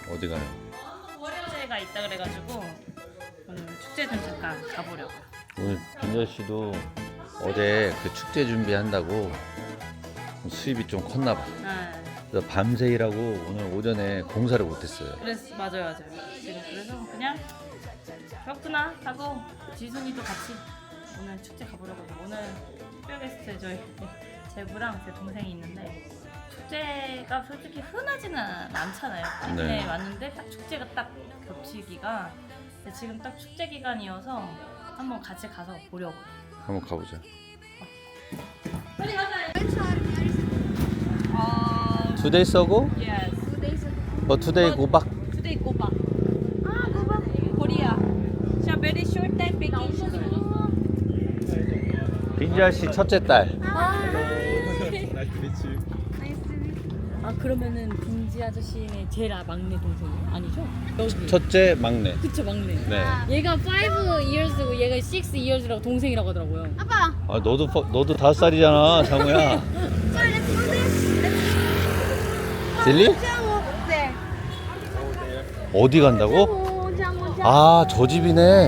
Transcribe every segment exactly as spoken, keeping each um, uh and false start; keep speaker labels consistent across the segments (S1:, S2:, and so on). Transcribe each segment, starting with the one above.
S1: 어디 가요?
S2: 축제가 있다 그래가지고 오늘 축제 좀 잠깐 가보려고.
S1: 오늘 빈자 씨도 어제 그 축제 준비한다고 수입이 좀 컸나 봐.
S2: 네.
S1: 그래서 밤새 일하고 오늘 오전에 공사를 못했어요.
S2: 그래서 맞아요, 맞아요. 지금 그래서 그냥 그렇구나 하고 지순이도 같이 오늘 축제 가보려고 해요. 오늘 특별 게스트 저희 제부랑 제 동생이 있는데 축제가 솔직히 흔하지는 않잖아요.
S1: 네.
S2: 네. 왔는데 딱 축제가 딱 겹치기가 근데 지금 딱 축제 기간이어서 한번 같이 가서 보려고.
S1: 한번 가보자.
S2: 빨리 가자. 어,
S1: Two days ago?
S2: yes.
S1: Or today go back?
S2: Today go back. Ah, go back. Korea. It's a very short time vacation.
S1: 빈자 씨 첫째 딸.
S3: 아 그러면은 빈지 아저씨의 제일 막내 동생이 아니죠? 여기
S1: 첫째 막내.
S3: 그쵸 막내.
S1: 네.
S3: 얘가 five years고 얘가 six years라고 동생이라고 하더라고요.
S4: 아빠.
S1: 아 너도 퍼- 너도 다섯 살이잖아, 장우야.
S4: Sorry, let's do this.
S1: 딜리?
S4: 장어. 네.
S1: 어디 간다고?
S4: 장어, 장어, 장어.
S1: 아, 저 집이네.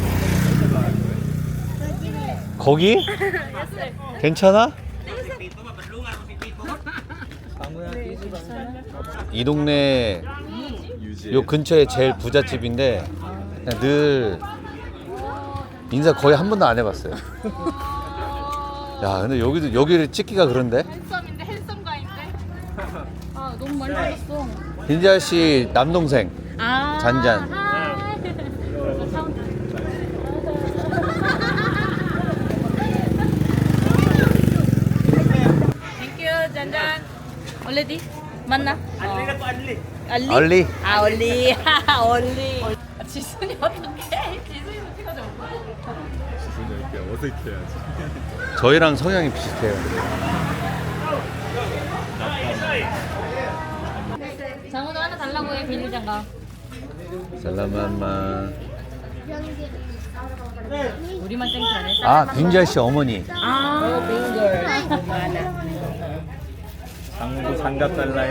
S1: 거기? 괜찮아? 이 동네 요 근처에 제일 부잣집인데 그냥 늘 인사 거의 한 번도 안 해봤어요. 야, 근데 여기도 여기를 찍기가 그런데?
S3: 핸섬인데 핸섬가인데? 아 너무 많이 받았어.
S1: 빈자 씨 남동생
S3: 아
S1: 잔잔.
S3: 하이.
S2: 땡큐 잔잔. 얼레디 맞나? 알리가 또 알리. 알리?
S1: 얼리.
S2: 아 얼리. 얼리. 아, 지순이 어떡해? 지순이도 찍어줘.
S5: 지순이 이렇게 어색해야지.
S1: 저희랑 성향이 비슷해요.
S3: 장어도 하나 달라고 해 비닐장갑.
S1: 살라마마.
S2: 우리만 땡큐 안 해.
S1: 아, 빈자 씨 어머니.
S3: 아
S5: 장도 장갑 달라해.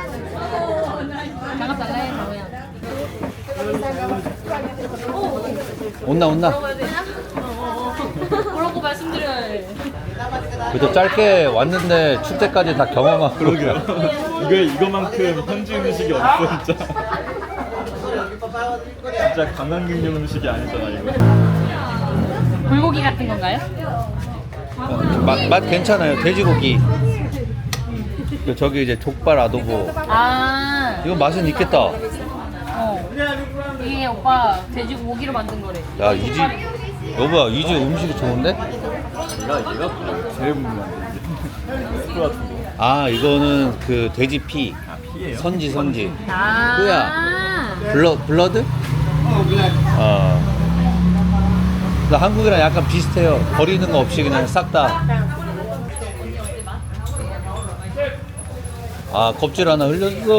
S3: 장갑 달라해 장어야.
S1: 온나 온나.
S3: 뭐라고 말씀드려야 해.
S1: 그래도 짧게 왔는데 축제까지 다 경험하고.
S5: 그러게요. 이거 이거만큼 현지 음식이 없어 진짜. 진짜 관광객용 음식이 아니잖아 이거.
S3: 불고기 같은 건가요?
S1: 맛, 맛 괜찮아요. 돼지고기. 그 저기 이제 족발 아도보.
S3: 아
S1: 이거 맛은 있겠다.
S3: 어. 이게 오빠 돼지고기로 만든 거래.
S1: 야, 이 집 여보야, 이 집 음식이 좋은데?
S5: 얘가 얘가 제일 궁금한데. 스프 같은 거.
S1: 아, 이거는 그 돼지 피.
S5: 아 피예요?
S1: 선지 선지.
S3: 아
S1: 뭐야? 블러 블러드? 어. 나 한국이랑 약간 비슷해요. 버리는 거 없이 그냥 싹 다. 아, 껍질 하나 흘렸어.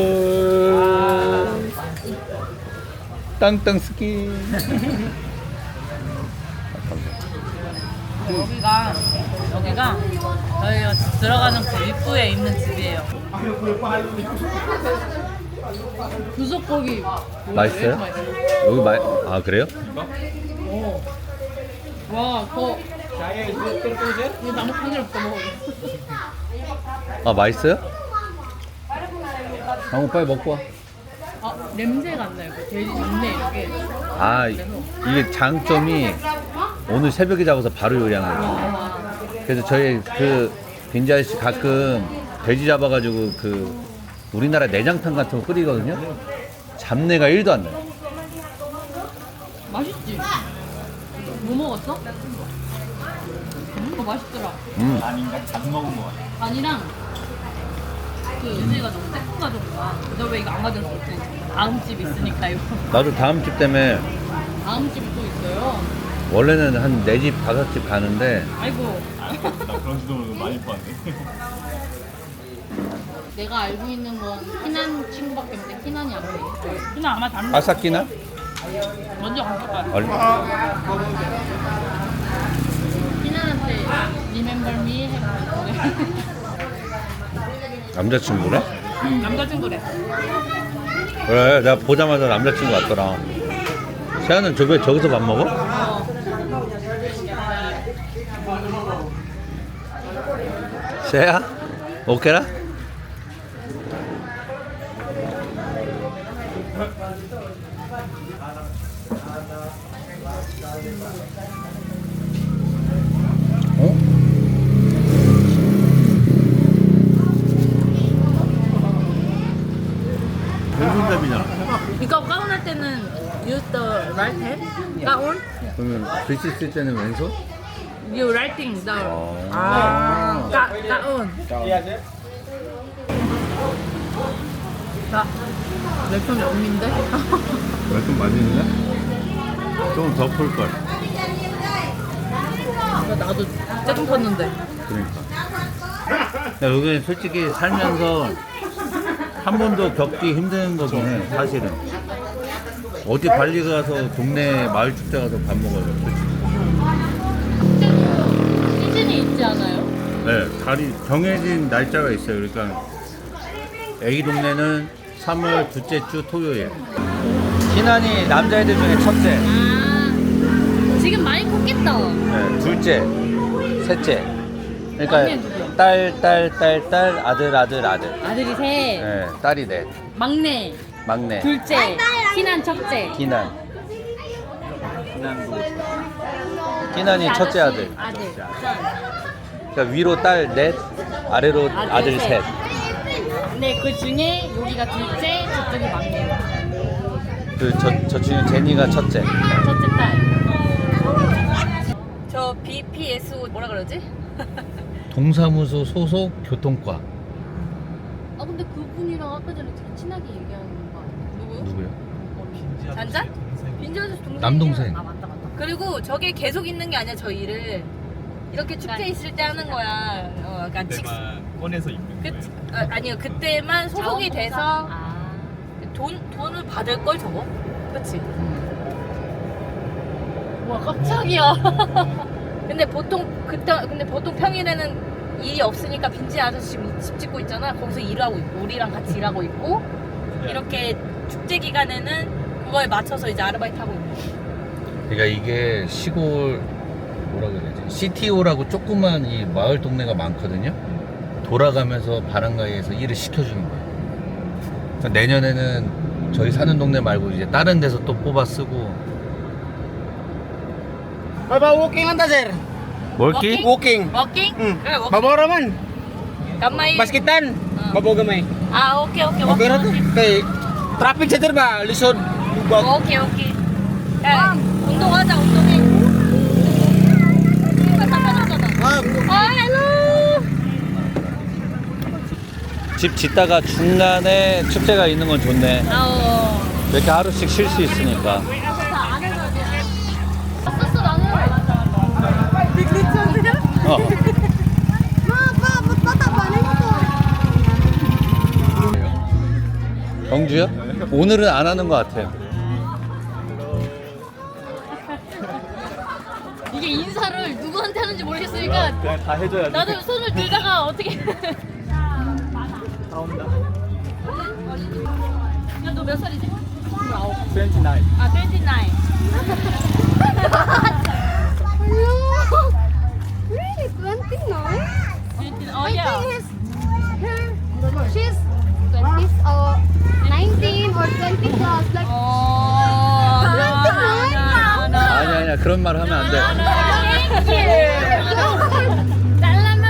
S1: 땅땅 스킨.
S2: 여기가 여기가 저희가 들어가는 그 입구에 있는 집이에요.
S3: 부속고기.
S1: 맛있어요? 여기 마, 아 그래요?
S3: 와 그거. 이거 나무 콩을 없어 먹어.
S1: 아 맛있어요? 강호 빨리 먹고 와.
S3: 아 냄새가 안 나요. 그 돼지 잡내 이렇게.
S1: 아 이게 장점이 오늘 새벽에 잡아서 바로 요리한 거예요. 그래서 저희 그 빈지 아저씨 가끔 돼지 잡아가지고 그 우리나라 내장탕 같은 거 끓이거든요. 잡내가 일도 안 나요.
S3: 맛있지? 뭐 먹었어? 음, 그거 맛있더라.
S1: 음.
S5: 아닌가? 잘 먹은 거 같아.
S3: 간이랑 그 은지가 너무 새콤 가져온다. 너 왜 이거 안 가져왔어? 다음 집 있으니까 이거.
S1: 나도 다음 집 때문에
S3: 다음 집이 또 있어요.
S1: 원래는 한 네 집 다섯 집 가는데
S3: 아이고.
S5: 아, 나 그런지도 모르고 많이 봤네.
S3: 내가 알고 있는 건 희난 친구밖에 없는데 희난이 안 돼.
S2: 그냥 아마 다른
S1: 아사키나?
S2: 먼저 간것 같아.
S1: 얼...
S3: 희난한테 remember me 해보고
S1: 남자친구래?
S3: 남자친구래.
S1: 그래, 내가 보자마자 남자친구 같더라. 세아는 저왜 저기서 밥 먹어? 세아? 오케라? 어? 왼손잡이잖아.
S3: 이거 가운할 때는 use the right hand. 가운?
S1: 그러면 글씨 쓸 때는 왼손?
S3: You writing the.
S1: 어.
S3: 아. 가 가운. 나. 내 편이 언니인데?
S1: 왼손 맞는데? 조금 더 풀걸.
S3: 나도 조금 컸는데.
S1: 그러니까. 야, 여기 솔직히 살면서 한 번도 겪기 힘든 거긴 해, 사실은. 어디 발리 가서 동네 마을 축제 가서 밥 먹어요, 솔직히.
S3: 시즌이 있지 않아요?
S1: 네, 달이 정해진 날짜가 있어요. 그러니까 애기 동네는 삼월 둘째 주 토요일. 희난이 남자애들 중에 첫째,
S3: 아. 지금 많이 컸겠다.
S1: 네, 둘째, 셋째.
S3: 언니는
S1: 그러니까
S3: 누구야?
S1: 딸, 딸, 딸, 딸, 아들, 아들, 아들.
S3: 아들이 셋.
S1: 네, 딸이 넷,
S3: 막내.
S1: 막내,
S3: 둘째. 희난 첫째.
S1: 희난. 희난이 첫째 아들.
S3: 아들.
S1: 그러니까 위로 딸 넷, 아래로
S3: 아들
S1: 아들
S3: 셋.
S1: 셋.
S3: 근데 그 중에 여기가 둘째, 저쪽이 막내.
S1: 그 저 저 중에 제니가 첫째.
S3: 첫째 딸. 저 비피에스오 뭐라 그러지?
S1: 동사무소 소속 교통과.
S3: 아 근데 그분이랑 아까 전에 되게 친하게 얘기하는 거 아니야? 누구요?
S1: 누구요?
S3: 잔잔? 빈지 아저씨 동생.
S1: 남동생.
S3: 아 맞다 맞다. 그리고 저게 계속 있는 게 아니야 저 일을. 이렇게 축제 있을 때 하는 거야. 어, 약간 직.
S5: 꺼내서 입는
S3: 그,
S5: 거예요.
S3: 어, 아니요 그때만 소속이 돼서 돈 돈을 받을 걸 저거. 그렇지. 와 깜짝이야. 근데 보통 그때 근데 보통 평일에는 일이 없으니까 빈지 아저씨 지금 집 짓고 있잖아. 거기서 일하고 있고 우리랑 같이 일하고 있고 이렇게 축제 기간에는 그거에 맞춰서 이제 아르바이트 하고 있고.
S1: 그러니까 이게 시골 뭐라 그래야 되지? 씨티오라고 조그만 이 마을 동네가 많거든요. 돌아가면서 바람가이에서 일을 시켜주는 거예요. 그러니까 내년에는 저희 사는 동네 말고 이제 다른 데서 또 뽑아 쓰고.
S6: Baba walking lang ta sir.
S1: 멀기?
S6: Walking.
S3: 워킹?
S6: Hmm.
S3: 그래 워킹.
S6: Mabaw raman.
S3: 간마이.
S6: Basketan.
S3: Ah.
S6: Mabaw gamay.
S3: 아 오케이 오케이
S6: Okay ra to.
S3: 워킹.
S6: Kay traffic sa sir ba? Lisod. Lubag.
S3: 오케이 오케이. 야 운동하자 운동해. 빠졌다 빠졌잖아.
S6: Ah,
S3: 아 헬로.
S1: 집 짓다가 중간에 축제가 있는 건 좋네.
S3: 아오.
S1: 이렇게 하루씩 쉴 수 있으니까.
S3: 왔었어 나는.
S1: 어. 경주요? 오늘은 안 하는 것 같아요.
S3: 이게 인사를 누구한테 하는지 모르겠으니까
S5: 그냥 다 해줘야 돼.
S3: 나도 손을 들다가 어떻게? 야 너 몇 살이지?
S5: 이십구.
S3: 아 이십구.
S4: Really, twenty-nine?
S3: 어
S4: I
S3: 야.
S4: think his, her, she's twenty or nineteen or twenty plus. Like,
S3: 어.
S1: 아니 아니야 그런 말 하면 안 돼.
S3: 잘라면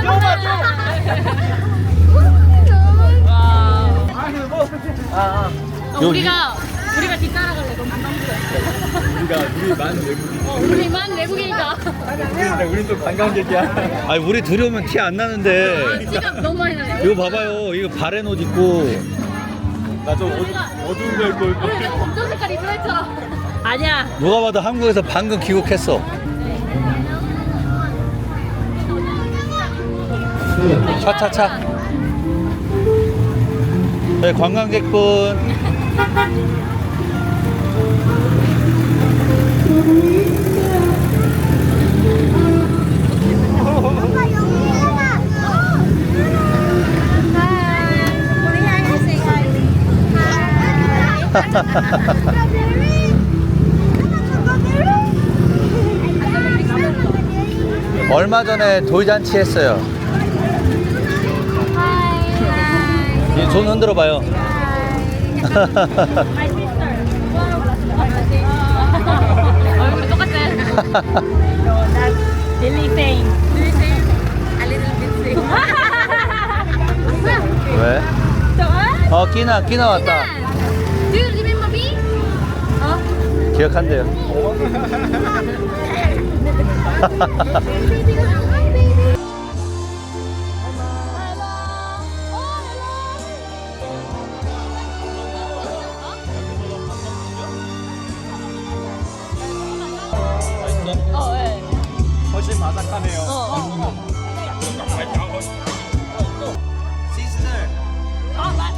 S3: 와.
S1: 요
S3: 우리가 우리가 뒤따라갈래 너무 부담스러워.
S5: 우리가 우리 만 외국인.
S3: 어, 우리만 외국인이다.
S5: 근데 우린 또 관광객이야.
S1: 아니 우리 둘이 오면 티 안 나는데.
S3: 지금 너무 많이 나네.
S1: 이거 봐봐요. 이거 바렌 옷 입고.
S5: 나 좀 어두운 거 입고 올
S3: 우리
S5: 거야.
S3: 내가 검정 색깔 입으라 했잖아. 아니야.
S1: 누가 봐도 한국에서 방금 귀국했어. 차차차. 네, 관광객분.
S4: Hi,
S1: 얼마 전에 돌잔치 했어요. 이 손 흔들어 봐요.
S2: 얼굴이 똑같아. 릴리 페인.
S1: 왜? 어, 끼나, 끼나 왔다.
S4: Do you remember me?
S1: 기억한대요.
S3: 어, 예.
S5: 훨씬 바삭하네요.
S3: 어, 어. 아, 맞.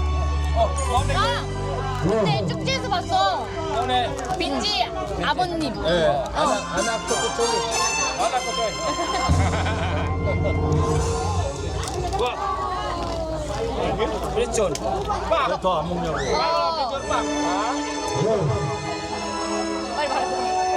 S3: 아, 근데 축제에서 봤어. 빈지 아버님.
S6: Eh, anak anak kecuali. Anak kecuali. Ricun. Pak.
S5: 더안 먹냐고.
S6: Ricun, Pak.
S3: 빨리 말해.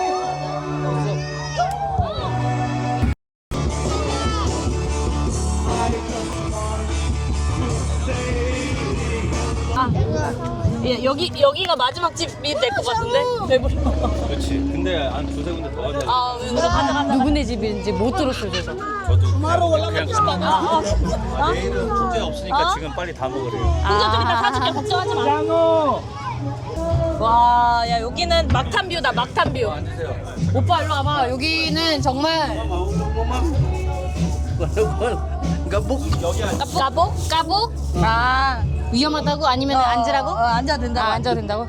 S3: 아, 예, 여기 여기가 마지막 집이 될 것 같은데 배부르.
S5: 그렇지. 근데 한 두세 군데 더 가자.
S3: 아, 가자 가자. 누구네 집인지 못 들었어요, 그래서.
S5: 저도 그냥 그냥
S3: 아, 아,
S5: 내일은 축제 없으니까
S3: 어?
S5: 지금 빨리 다 먹으래요.
S3: 풍선 좀 이따 사줄게. 걱정하지 마. 와, 야 여기는 막탄 뷰다, 막탄 뷰. 오빠 일로 와봐. 여기는 정말 까복? 까복? 아, 위험하다고? 아니면 앉으라고? 어, 앉아도 된다고. 아, 앉아도 된다고?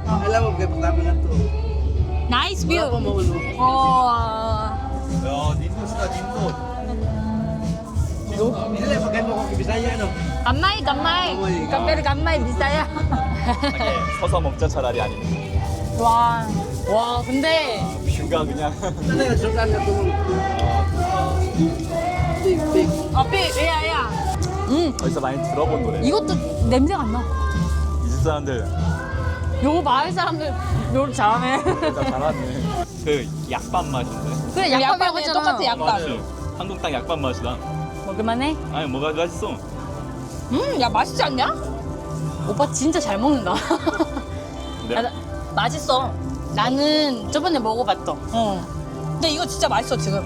S3: 나이스 뷰. 어.
S5: 야, 닌도스다 닌도.
S3: 간마이, 간마이. 간마이, 간마이 비싸야.
S5: 서서 먹자 차라리 아니면.
S3: 와, 와, 근데
S5: 뷰가 그냥.
S3: 아, 삐, 야, 야. 음,
S5: 어디서 많이 들어본 노래.
S3: 이것도 냄새가 안 나.
S5: 이 집 사람들
S3: 요 마을 사람들 요리 잘하네.
S5: 진짜 잘하네. 그 약밥 맛인데.
S3: 그래, 약밥이라고 했잖아. 똑같아, 약밥.
S5: 맞아. 한국 땅 약밥 맛이다.
S3: 먹을만해?
S5: 아니 뭐가 맛있어?
S3: 음, 야, 맛있지 않냐? 오빠 진짜 잘 먹는다.
S5: 네.
S3: 야, 나- 맛있어. 나는 저번에 먹어봤어. 어. 근데 이거 진짜 맛있어, 지금.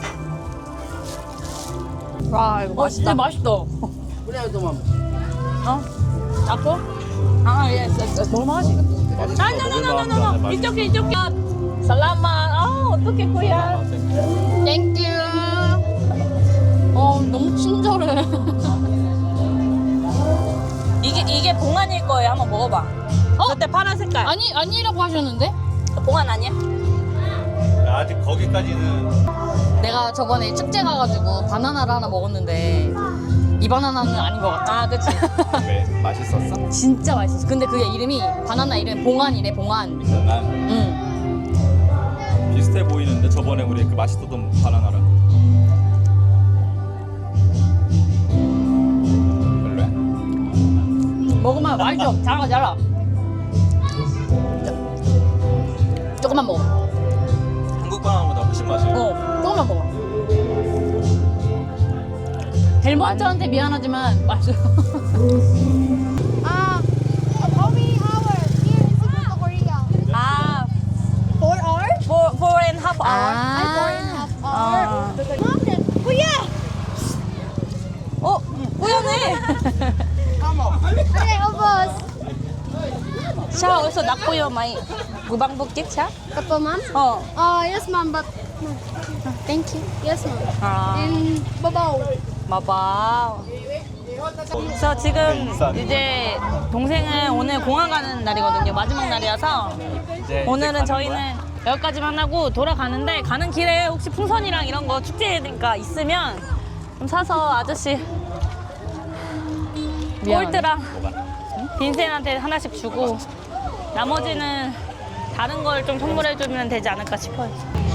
S3: 와, 이거 맛있다. 어, 맛있다. 어? 아빠? 아, 예, 예, 너무 맛있어. 아, 노노노노노. 이쪽에, 이쪽에. 살라마. 아, 어떡해, 코야. 땡큐. 어, 너무 친절해. 이게, 이게 봉안일 거예요. 한번 먹어봐. 어? 그때 파란 색깔. 아니, 아니라고 하셨는데? 봉안 아니야?
S5: 아직 거기까지는.
S3: 내가 저번에 축제 가가지고 바나나를 하나 먹었는데 이 바나나는 아닌 것 같아. 아, 그치.
S5: 왜 맛있었어?
S3: 진짜 맛있었어. 근데 그게 이름이 바나나 이름이 봉안이래, 봉안.
S5: 난
S3: 응.
S5: 비슷해 보이는데 저번에 우리 그 맛있었던 바나나랑. 별로야?
S3: 먹으면 맛있어. 잘라, 잘라. 조금만 먹어.
S5: 한국 바나나보다 훨씬 맛있어.
S3: 어, 조금만 먹어. 델몬트한테 미안하지만 맛있어.
S4: Ah, how many hours here in Cebu, Korea?
S3: 아,
S4: Four hours?
S3: four, four and half hour.
S4: Ay, four and a half
S3: Ah.
S4: hours. Mom, then, Kuya!
S3: 어, 우연해.
S4: Ay, ubos.
S3: 샤 어디서 낙보여 많이 무방복집 샤?
S4: Kapo, ma'am?
S3: 어.
S4: Uh, yes, ma'am, but... Thank you. Yes, ma'am.
S3: 아.
S4: In Babaw.
S3: 마바. 그래서 지금 이제 동생은 오늘 공항 가는 날이거든요. 마지막 날이라서
S5: 이제
S3: 오늘은
S5: 이제 가는
S3: 저희는
S5: 거야?
S3: 여기까지만 하고 돌아가는데 가는 길에 혹시 풍선이랑 이런 거 축제니까 있으면 좀 사서 아저씨 꼴트랑 빈센한테 하나씩 주고 나머지는 다른 걸 좀 선물해주면 되지 않을까 싶어요.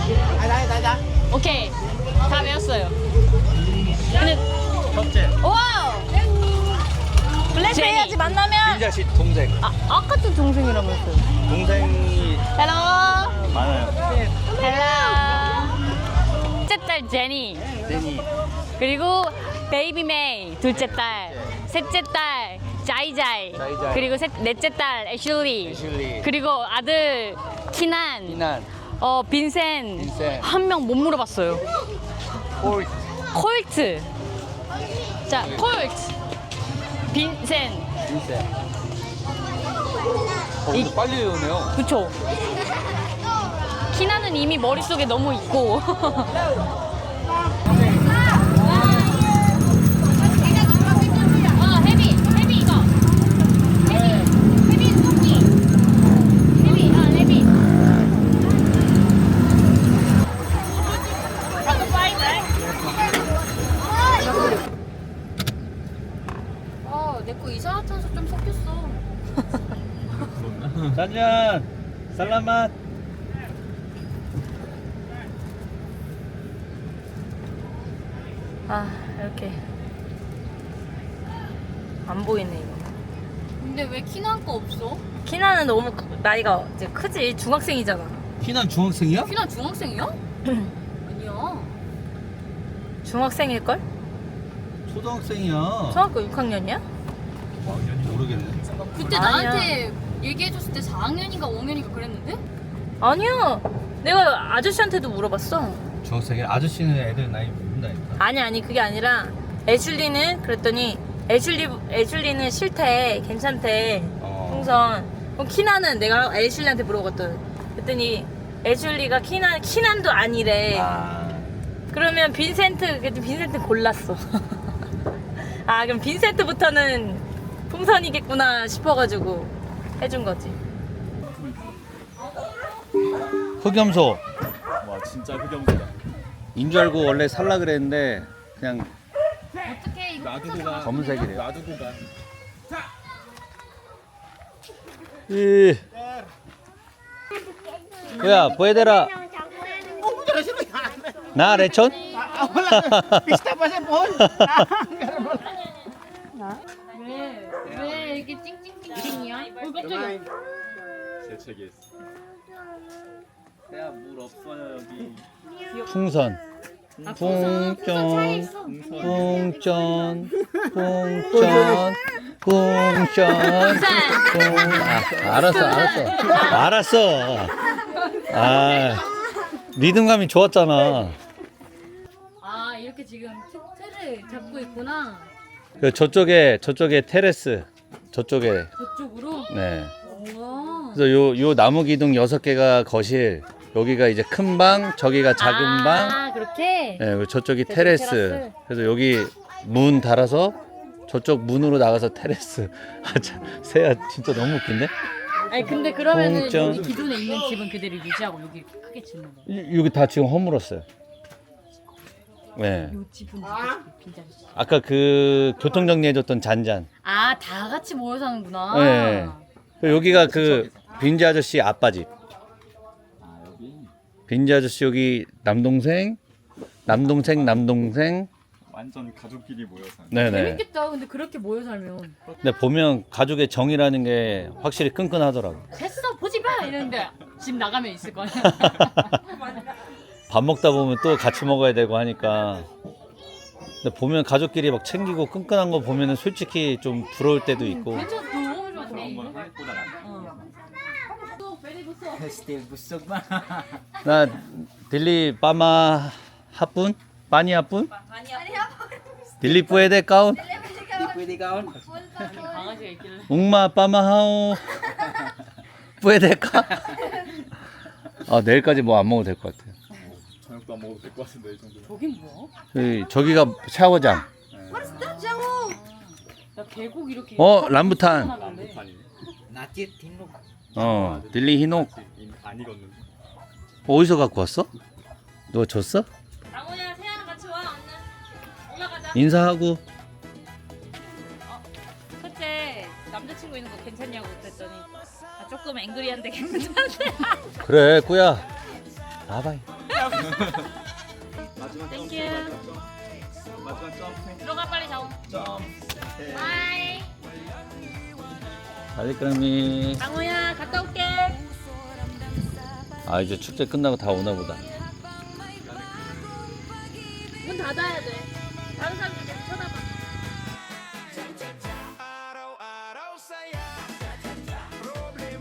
S3: 오케이, 다 외웠어요. 근데
S5: 첫째.
S3: 와우! 블랙 해야지 만나면.
S1: 빈자 씨 동생.
S3: 아, 아까도 동생이라면서요.
S1: 동생이
S3: 헬로.
S1: 많아요.
S3: 헬로. 첫째 딸 제니.
S1: 제니.
S3: 그리고 베이비 메이 둘째 딸. 셋째 딸 자이자이.
S1: 자이자이.
S3: 그리고 셋, 넷째 딸 애슐리.
S1: 애슐리.
S3: 그리고 아들 키난.
S1: 이난.
S3: 어 빈센.
S1: 빈센.
S3: 한 명 못 물어봤어요.
S1: 콜.
S3: 콜트. 자 콜트. 빈센.
S1: 빈센. 어, 근데 빨리 외우네요.
S3: 그쵸. 키나는 이미 머릿속에 너무 있고. 어, 헤비, 헤비 이거. 헤비, 헤비 토끼. 헤비, 어, 헤비. 어, 내 거 이산화탄소 좀 섞였어.
S1: 짠짠. 살라맛.
S3: 아, 이렇게 안 보이네 이거.
S4: 근데 왜 키난 거 없어?
S3: 키나는 너무 크- 나이가 이제 크지. 중학생이잖아.
S1: 희난 중학생이야?
S4: 키난 중학생이야? 아니야.
S3: 중학생일 걸?
S1: 초등학생이야.
S3: 초등학교 육 학년이야?
S1: 모르겠네.
S4: 그때
S3: 아니야.
S4: 나한테 얘기해줬을 때 사 학년인가 오 학년인가 그랬는데?
S3: 아니야. 내가 아저씨한테도 물어봤어.
S1: 중학생이 아저씨는 애들 나이 모른다니까.
S3: 아니 아니 그게 아니라 애슐리는 그랬더니 애슐리 애슐리는 싫대. 괜찮대.
S1: 어.
S3: 풍선. 그럼 키나는 내가 애슐리한테 물어봤거든. 그랬더니 애슐리가 키난 키난도 아니래.
S1: 아.
S3: 그러면 빈센트 그때 빈센트 골랐어. 아 그럼 빈센트부터는 풍선이겠구나 싶어가지고 해준 거지.
S1: 흑염소.
S5: 와 진짜 흑염소다.
S1: 인 줄 알고 원래 살라 그랬는데 그냥
S4: 어떻게 이거
S5: 놔두고 가.
S1: 검은색이래요.
S5: 놔두고 가.
S1: 이. 뭐야, 보여대라. 나 레촌?
S4: 왜? 왜 이렇게 찡찡찡찡이야? 어 깜짝이야.
S5: 재채기했어. 야, 물 없어요 여기.
S1: 풍선. 풍전, 풍전, 풍전, 풍전. 풍. 아, 알았어, 알았어, 알았어. 아, 리듬감이 좋았잖아.
S4: 아 이렇게 지금 트- 틀을 잡고 있구나.
S1: 그 저쪽에 저쪽에 테레스, 저쪽에.
S4: 저쪽으로.
S1: 네.
S4: 우와.
S1: 그래서 요, 요 나무 기둥 여섯 개가 거실, 여기가 이제 큰 방, 저기가 작은 방,
S3: 아 그렇게.
S1: 네, 그리고 저쪽이
S3: 저쪽
S1: 테레스.
S3: 테라스.
S1: 그래서 여기 문 달아서 저쪽 문으로 나가서 테레스. 아, 참, 세야 진짜 너무 웃긴데?
S4: 아니 근데 그러면은
S1: 공점.
S4: 여기 기존에 있는 집은 그대로 유지하고 여기 크게 짓는 거야.
S1: 이- 여기 다 지금 허물었어요. 네.
S4: 요 집은 빈자리.
S1: 아까 그 교통 정리해줬던 잔잔.
S4: 아다 같이 모여 사는구나.
S1: 네. 그리고 여기가 그 빈지 아저씨 아빠 집.
S5: 아 여기
S1: 빈지 아저씨 여기 남동생, 남동생, 남동생.
S5: 완전 가족끼리 모여서.
S1: 네네.
S4: 재밌겠다. 근데 그렇게 모여 살면.
S1: 근데 보면 가족의 정이라는 게 확실히 끈끈하더라고.
S4: 됐어 보지 마 이러는데 집 나가면 있을 거 아니야.
S1: 밥 먹다 보면 또 같이 먹어야 되고 하니까. 근데 보면 가족끼리 막 챙기고 끈끈한 거 보면은 솔직히 좀 부러울 때도 있고.
S4: 괜찮아 너무 좋아.
S5: 그런 건 한국보다 낫다.
S6: Still busog ba?
S1: 나 딜리 빠마 하뿐? 빠니 하뿐? 딜리 뿌에데 까운?
S6: Pwede kaon?
S4: 강아지가 있길래.
S1: 웅마 빠마 하오 뿌에데 까? 아 내일까지 뭐 안 먹어도 될 것 같아요.
S5: 저녁도 안 먹어도 될 것 같은데 이 정도면.
S4: 저긴 뭐야?
S1: 저기, 저기가 샤워장.
S4: 나 계곡 이렇게.
S1: 어 람부탄.
S4: 하는데.
S5: 아니네.
S6: Natit hinug.
S1: 어 딜리 히녹.
S5: 안 익었는데.
S1: 어디서 갖고 왔어? 너 줬어?
S3: 장호야 세양 같이 와 언니. 올라가자.
S1: 인사하고.
S3: 첫째 남자친구 있는 거 괜찮냐고 그랬더니 아, 조금 앵그리한데 괜찮대.
S1: 그래 꾸야. 나봐.
S5: 마지막 점.
S3: 땡큐.
S5: 마지막 점.
S3: 들어가 빨리 장호.
S5: 점.
S3: 바이.
S5: 점.
S1: 아리까미.
S3: 강호야 갔다 올게.
S1: 아 이제 축제 끝나고 다 오나 보다.
S3: 문 닫아야 돼. 다른 사람들 계속 쳐다봐.